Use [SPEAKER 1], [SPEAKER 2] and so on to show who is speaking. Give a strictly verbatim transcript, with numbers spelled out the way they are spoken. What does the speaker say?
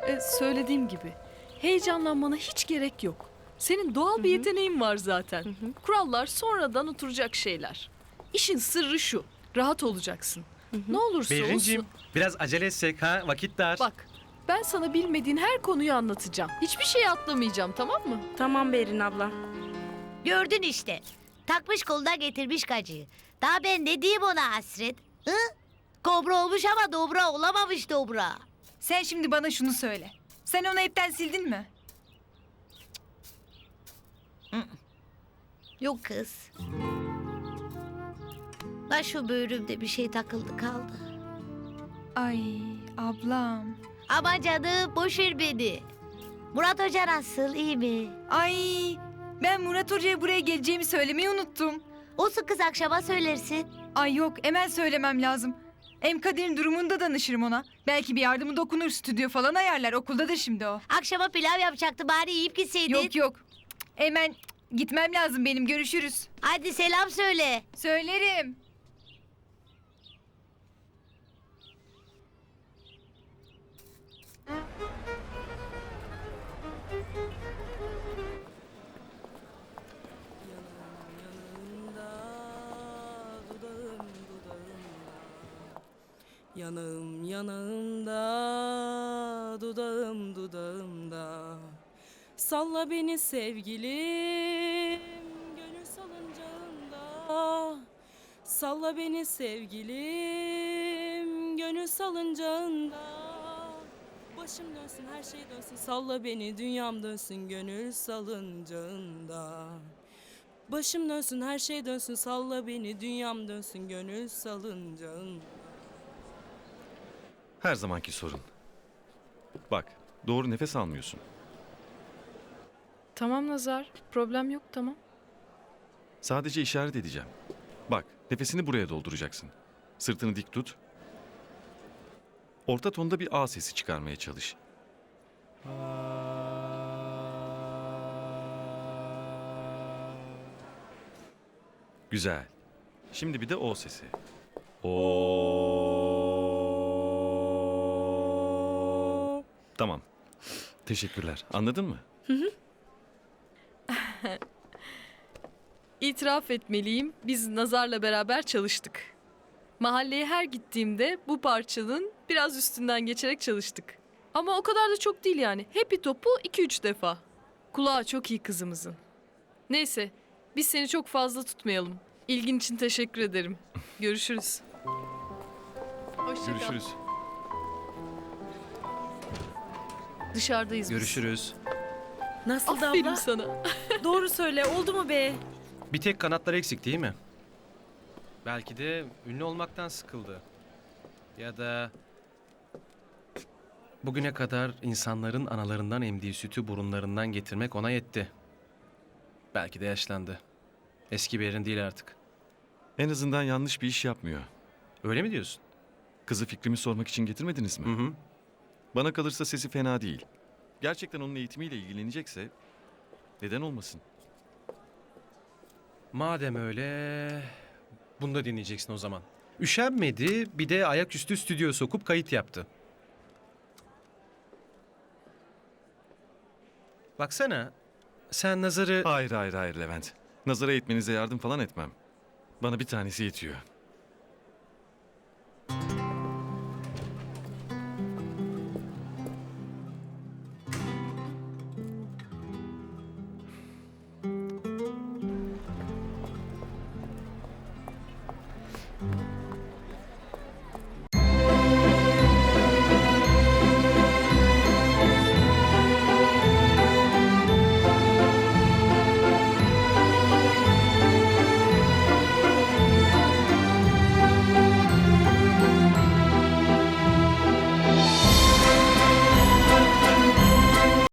[SPEAKER 1] E, söylediğim gibi heyecanlanmana hiç gerek yok. Senin doğal bir yeteneğin var zaten.
[SPEAKER 2] Hı hı.
[SPEAKER 1] Kurallar sonradan oturacak şeyler. İşin sırrı şu. Rahat olacaksın.
[SPEAKER 2] Hı hı.
[SPEAKER 1] Ne olursa
[SPEAKER 3] Behrinciğim
[SPEAKER 1] olsun.
[SPEAKER 3] biraz acele etsek ha, vakit dar.
[SPEAKER 1] Bak, ben sana bilmediğin her konuyu anlatacağım. Hiçbir şey atlamayacağım, tamam mı?
[SPEAKER 2] Tamam Berin abla.
[SPEAKER 4] Gördün işte. Takmış koluna getirmiş kacıyı. Daha ben ne diyeyim ona hasret? Hı? Kobra olmuş ama dobra olamamış dobra.
[SPEAKER 5] Sen şimdi bana şunu söyle. Sen onu hepten sildin mi?
[SPEAKER 4] Yok kız. La şu böğrümde bir şey takıldı kaldı.
[SPEAKER 5] Ay ablam.
[SPEAKER 4] Ama canım boş ver beni. Murat Hoca nasıl, iyi mi?
[SPEAKER 5] Ay ben Murat Hoca'ya buraya geleceğimi söylemeyi unuttum.
[SPEAKER 4] Olsun kız, akşama söylersin.
[SPEAKER 5] Ay yok, hemen söylemem lazım. Hem Kadir'in durumunu da danışırım ona. Belki bir yardımı dokunur, stüdyo falan ayarlar. Okuldadır şimdi o.
[SPEAKER 4] Akşama pilav yapacaktı, bari yiyip gitseydin.
[SPEAKER 5] Yok yok. Hemen gitmem lazım benim. Görüşürüz.
[SPEAKER 4] Hadi selam söyle.
[SPEAKER 5] Söylerim.
[SPEAKER 6] Yanağım yanağımda, dudağım dudağımda. Salla beni sevgilim, gönül salıncağında. Salla beni sevgilim, gönül salıncağında. Başım dönsün, her şey dönsün, salla beni, dünyam dönsün, gönül salıncağında. Başım dönsün, her şey dönsün, salla beni, dünyam dönsün, gönül salıncağında.
[SPEAKER 7] Her zamanki sorun. Bak, doğru nefes almıyorsun.
[SPEAKER 1] Tamam Nazar, problem yok, tamam.
[SPEAKER 7] Sadece işaret edeceğim. Bak, nefesini buraya dolduracaksın. Sırtını dik tut. Orta tonda bir A sesi çıkarmaya çalış. Güzel. Şimdi bir de O sesi. O. Tamam. Teşekkürler. Anladın mı?
[SPEAKER 1] İtiraf etmeliyim, biz Nazar'la beraber çalıştık. Mahalleye her gittiğimde bu parçanın biraz üstünden geçerek çalıştık. Ama o kadar da çok değil yani. Happy topu iki üç defa. Kulağı çok iyi kızımızın. Neyse, biz seni çok fazla tutmayalım. İlgin için teşekkür ederim. Görüşürüz. Hoşça kal.
[SPEAKER 7] Görüşürüz.
[SPEAKER 1] Dışarıdayız biz.
[SPEAKER 3] Görüşürüz.
[SPEAKER 2] Nasıl da
[SPEAKER 1] Aferin
[SPEAKER 2] abla?
[SPEAKER 1] sana.
[SPEAKER 2] Doğru söyle, oldu mu be?
[SPEAKER 3] Bir tek kanatlar eksik değil mi? Belki de ünlü olmaktan sıkıldı. Ya da bugüne kadar insanların analarından emdiği sütü burunlarından getirmek ona yetti. Belki de yaşlandı. Eski bir yerin değil artık.
[SPEAKER 7] En azından yanlış bir iş yapmıyor.
[SPEAKER 3] Öyle mi diyorsun?
[SPEAKER 7] Kızı fikrimi sormak için getirmediniz mi?
[SPEAKER 3] Hı hı.
[SPEAKER 7] Bana kalırsa sesi fena değil. Gerçekten onun eğitimiyle ilgilenecekse neden olmasın?
[SPEAKER 3] Madem öyle, bunu da dinleyeceksin o zaman. Üşenmedi, bir de ayaküstü stüdyo sokup kayıt yaptı. Baksana, sen Nazar'ı...
[SPEAKER 7] Hayır hayır hayır Levent. Nazara eğitmenize yardım falan etmem. Bana bir tanesi yetiyor.